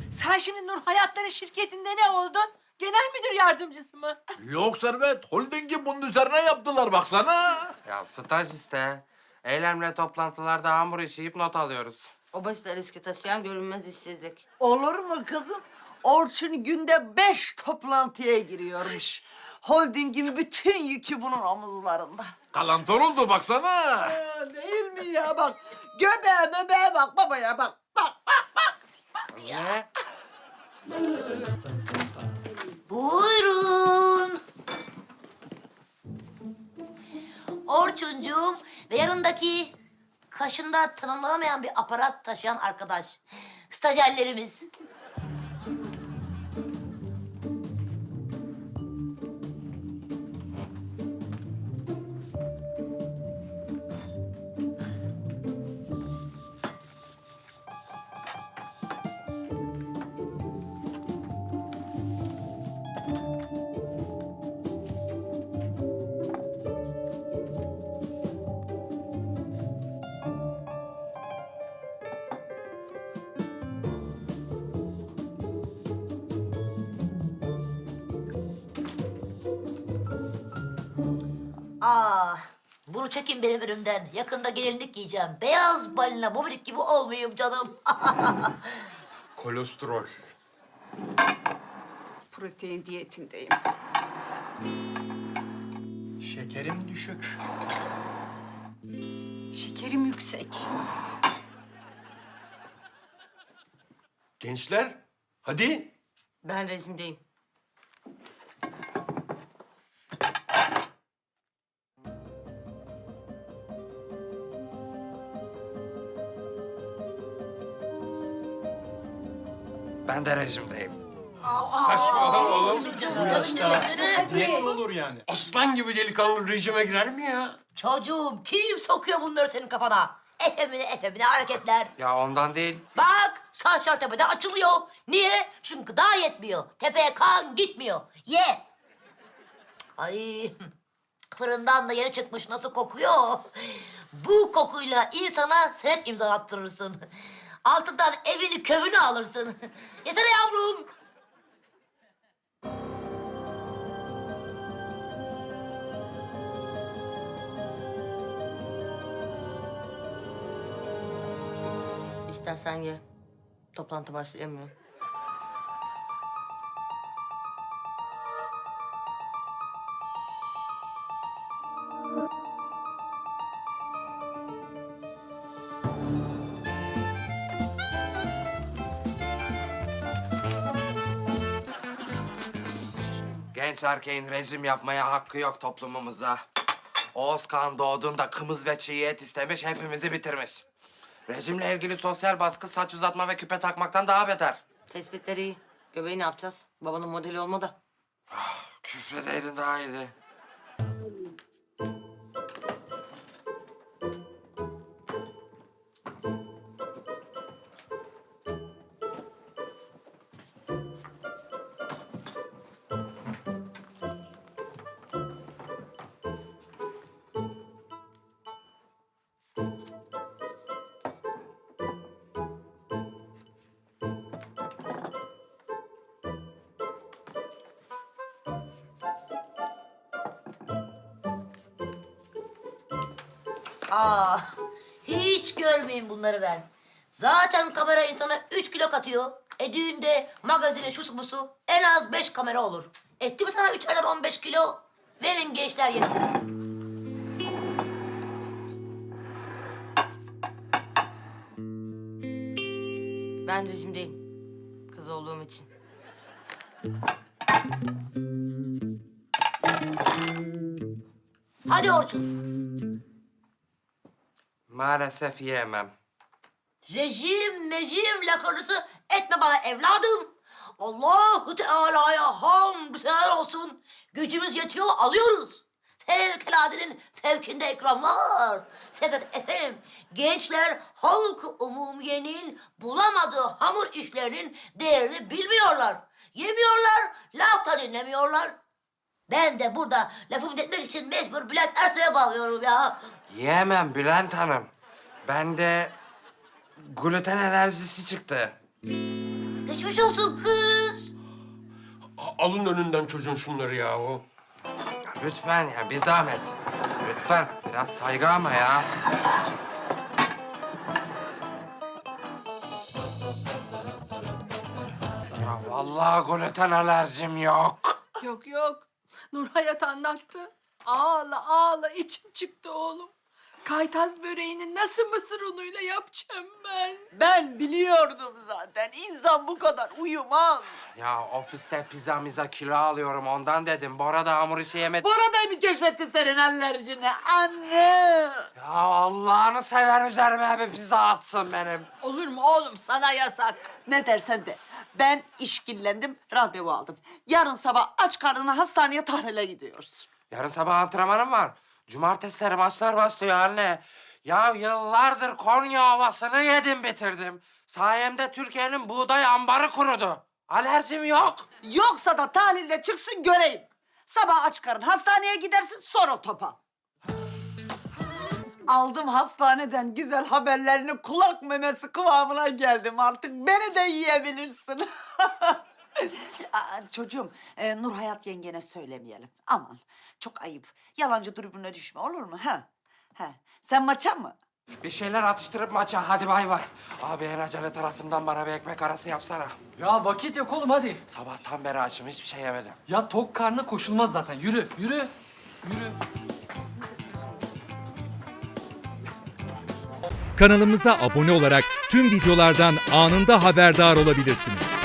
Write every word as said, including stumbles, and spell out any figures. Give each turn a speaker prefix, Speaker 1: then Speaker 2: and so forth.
Speaker 1: Sen şimdi Nur Hayatları şirketinde ne oldun? Genel müdür yardımcısı mı?
Speaker 2: Yok Servet, holdingi bunun üzerine yaptılar baksana.
Speaker 3: Ya staj işte. Eylemle toplantılarda hamur işleyip not alıyoruz.
Speaker 4: O basit riski taşıyan görünmez işsizlik.
Speaker 5: Olur mu kızım? Orçun günde beş toplantıya giriyormuş. Holdingin bütün yükü bunun omuzlarında.
Speaker 2: Kalantor oldu baksana.
Speaker 5: Ha, değil mi ya bak? Göbeğe bebeğe bak babaya bak. Bak bak.
Speaker 3: Ne?
Speaker 6: Buyurun. Orçuncuğum ve yanındaki kaşında tanımlanamayan bir aparat taşıyan arkadaş. Stajyerlerimiz. Aa, bunu çekin benim önümden. Yakında gelinlik giyeceğim. Beyaz balina mobilik gibi olmayayım canım.
Speaker 7: Kolesterol.
Speaker 8: Protein diyetindeyim.
Speaker 7: Şekerim düşük.
Speaker 8: Şekerim yüksek.
Speaker 7: Gençler, hadi.
Speaker 4: Ben rejimdeyim.
Speaker 3: Ben de rejimdeyim.
Speaker 7: Saçmalama oğlum.
Speaker 6: Diyet
Speaker 7: mi olur yani? Aslan gibi delikanlı rejime girer mi ya?
Speaker 6: Çocuğum kim sokuyor bunları senin kafana? Efemine efemine hareketler.
Speaker 3: Ya ondan değil.
Speaker 6: Bak saçlar tepede açılıyor. Niye? Çünkü gıda yetmiyor. Tepeye kan gitmiyor. Ye. Ay fırından da yeni çıkmış nasıl kokuyor. Bu kokuyla insana senet imzalattırırsın. Altından evini kövünü alırsın. Yesene yavrum.
Speaker 4: İstersen ye. Toplantı başlayamıyor.
Speaker 3: Genç erkeğin rejim yapmaya hakkı yok toplumumuzda. Oğuz Kağan doğduğunda kımız ve çiğ et istemiş, hepimizi bitirmiş. Rejimle ilgili sosyal baskı saç uzatma ve küpe takmaktan daha beter.
Speaker 4: Tespitleri iyi. Göbeği ne yapacağız? Babanın modeli olma da.
Speaker 3: Küfredeydin daha iyiydi.
Speaker 6: Aa, hiç görmeyeyim bunları ben. Zaten kamera insana üç kilo katıyor. E düğünde, magazine, şusu busu en az beş kamera olur. Etti mi sana üçerden on beş kilo? Verin gençler yesin.
Speaker 4: Ben rejimdeyim. Kız olduğum için.
Speaker 6: Hadi Orçun.
Speaker 3: Maalesef yiyemem.
Speaker 6: Rejim, mejim lakırdısı etme bana evladım. Allahu Teala'ya hamdü seher olsun. Gücümüz yetiyor, alıyoruz. Fevkaladenin fevkinde ikramlar. Fakat efendim, gençler halk-ı umumiyenin bulamadığı hamur işlerinin değerini bilmiyorlar. Yemiyorlar, laf da dinlemiyorlar. Ben de burada lafımı etmek için mecbur Bülent Ersoy'a bağlıyorum ya.
Speaker 3: Yiyemem Bülent Hanım. Bende gluten alerjisi çıktı.
Speaker 6: Ne Geçmiş olsun kız.
Speaker 7: A- Alın önünden çocuğun şunları yahu.
Speaker 3: Ya lütfen ya bir zahmet. Lütfen biraz saygı ama ya. Ya vallahi gluten alerjim yok.
Speaker 1: Yok yok. Nur Hayat anlattı. Ağla ağla içim çıktı oğlum. Kaytaz böreğini nasıl mısır unuyla yapacağım ben?
Speaker 5: Ben biliyordum zaten. İnsan bu kadar uyumaz.
Speaker 3: Ya ofiste pizza miza kilo alıyorum ondan dedim. Bora da hamur işi yemedi.
Speaker 5: Bora Bey mi keşfetti senin alerjini? Anne!
Speaker 3: Ya Allah'ını sever üzerime bir pizza atsın benim.
Speaker 1: Olur mu oğlum, sana yasak.
Speaker 5: Ne dersen de. Ben işkillendim, randevu aldım. Yarın sabah aç karnına hastaneye tahlile gidiyoruz.
Speaker 3: Yarın sabah antrenmanım var. Cumartesileri maçlar başlıyor anne. Ya yıllardır Konya havasını yedim bitirdim. Sayemde Türkiye'nin buğday ambarı kurudu. Alerjim yok.
Speaker 5: Yoksa da tahlilde çıksın göreyim. Sabah aç karın hastaneye gidersin, sonra topa. Aldım hastaneden güzel haberlerini, kulak memesi kıvamına geldim artık. Beni de yiyebilirsin. Aa, çocuğum, e, Nur Hayat yengene söylemeyelim. Aman, çok ayıp. Yalancı tribüne düşme, olur mu? Ha? Ha. Sen maça mı?
Speaker 3: Bir şeyler atıştırıp maça hadi bay bay. Abi en acele tarafından bana bir ekmek arası yapsana.
Speaker 9: Ya vakit yok oğlum hadi.
Speaker 3: Sabahtan beri açım hiçbir şey yemedim.
Speaker 9: Ya tok karnına koşulmaz zaten. Yürü, yürü, yürü.
Speaker 10: Kanalımıza abone olarak tüm videolardan anında haberdar olabilirsiniz.